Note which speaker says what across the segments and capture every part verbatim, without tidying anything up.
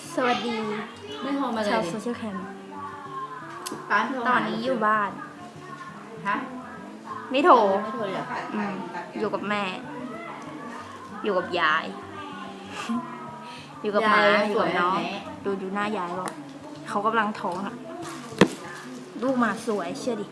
Speaker 1: สวัสดี
Speaker 2: ไม่โทรมาเลย
Speaker 1: ชาวโซเชียลแคม
Speaker 2: ป้าโทร
Speaker 1: ตอนนี้อยู่บ้าน
Speaker 2: ฮะ
Speaker 1: ไม่โทร
Speaker 2: ไม่โทรเลยเหรอ
Speaker 1: อืมอยู่กับแม่ อยู่กับยาย อยู่กับหมาอยู่กับน้องดูดูหน้ายายบอกเขากำลังท้องอะลูกหมาสวยเชื่อดิ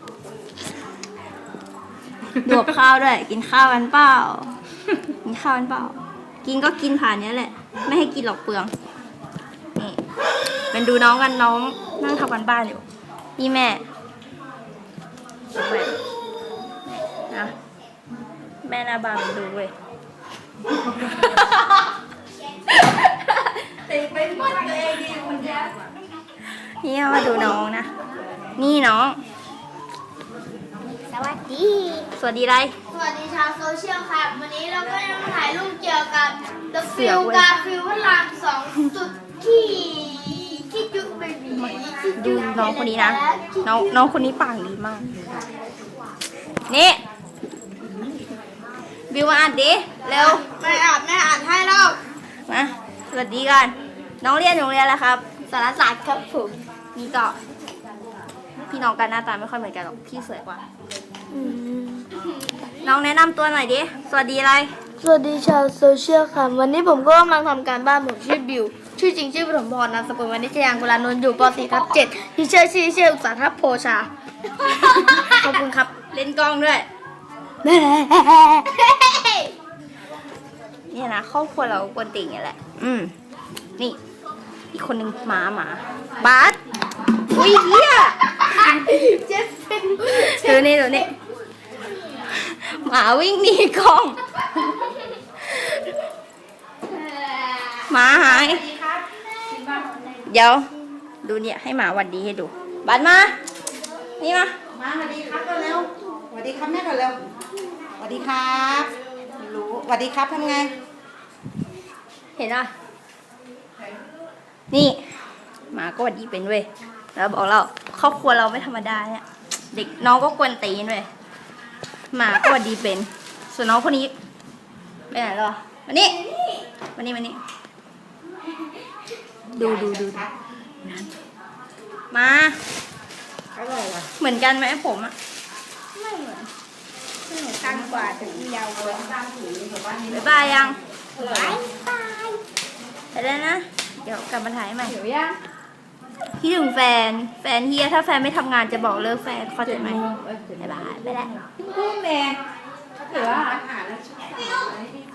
Speaker 1: ดูกับข้าวด้วย กินข้าวกันเปล่ากินข้าวกันเปล่า กินก็กินผ่านเนี้ยแหละ ไม่ให้กินหรอกเปลืองนี่เป็นดูน้องกันน้องนั่งทำกันบ้านอยู่นี่แม่แม่นะแม่หน้าบานมันดูเว้ย
Speaker 2: ตีไปหมดเลยดิคุณแจ๊
Speaker 1: นี่มาดูน้องนะ นี่น้อง
Speaker 3: สวัสดี
Speaker 1: สวัสดีไร
Speaker 3: สวัสดีชาวโซเชียลครับ วันนี้เราก็จะมาถ่ายรูปเกี่ยวกับ The
Speaker 1: เสือ
Speaker 3: Film
Speaker 1: เว้ย
Speaker 3: กาฟิลพระรามสองจุดที่ที่จุ๊บเบบี
Speaker 1: ดูน้องคนนี้นะ น้องน้องคนนี้ปากดีมาก นี่บิวมาอ่านดิเร็ว
Speaker 3: ไม่อ่านไม่อ่านให้เรา
Speaker 1: มาสวัสดีกัน น้องเรียนโรงเรียนแล้วครับ
Speaker 3: สารศาสตร์ครับผม
Speaker 1: นี่ก็ พี่น้องกันหน้าตาไม่ค่อยเหมือนกันหรอก พี่สวยกว่า น้องแนะนำตัวหน่อยดิ สวัสดีอะไร
Speaker 3: สวัสดีชาวโซเชียลค่ะ วันนี้ผมก็กำลังทำการบ้านผมชื่อบิว ชื่อจริงชื่อปฐมพรนามสกุลวณิชยางกุลานนท์อยู่ป .สี่ ทับเจ็ดที่เชื่อชื่อเชื่ออุตสาหทับโพชา
Speaker 1: ขอบคุณครับ เล่นกล้องด้วย เนี่ยนะครอบครัวเรากวนติ่งอย่างแหละ อืม นี่ อีกคนนึงหมาหมา บาสอุ้ยเฮีย
Speaker 3: เจ็บเป็น
Speaker 1: เดี๋ยวนี้เดี๋ยวนี้หมาวิ่งหนีกล้อง หมาหาย เดี๋ยว ดูเนี่ยให้หมาหวัดดีให้ดู บาสมา นี่มา
Speaker 2: มาสวัสดีครับเร็วสวัสดีครับแม่ก่อนเร็วสวัสดีครับรู้สวัสดีครับทำไง
Speaker 1: เห็นป่ะนี่หมาก็หวัดดีเป็นเว้ย แล้วบอกเราครอบครัวเราไม่ธรรมดาเนี่ย เด็กน้องก็กวนตีนเว้ย หมาก็หวัดดีเป็น ส่วนน้องคนนี้ไปไหนหรอมานี่มานี่มานี่ ดูดูดูมา
Speaker 2: อร่อยว่ะ
Speaker 1: เหมือนกันไหมผมอะไม่เหมือนไม่เหมือนกันกว่าแต่ยาวกว่าบ๊ายบายยังบ๊ายบายไปแล้วนะ เดี๋ยวกลับมาถ่ายใหม่เดี๋ยวยังพี่ถึงแฟน แฟนเฮียถ้าแฟนไม่ทำงานจะบอกเลิกแฟนเข้าใจไหมบ๊ายบายไปแล้ว
Speaker 2: พุ่งแดงถือว่าอาหารแล้ว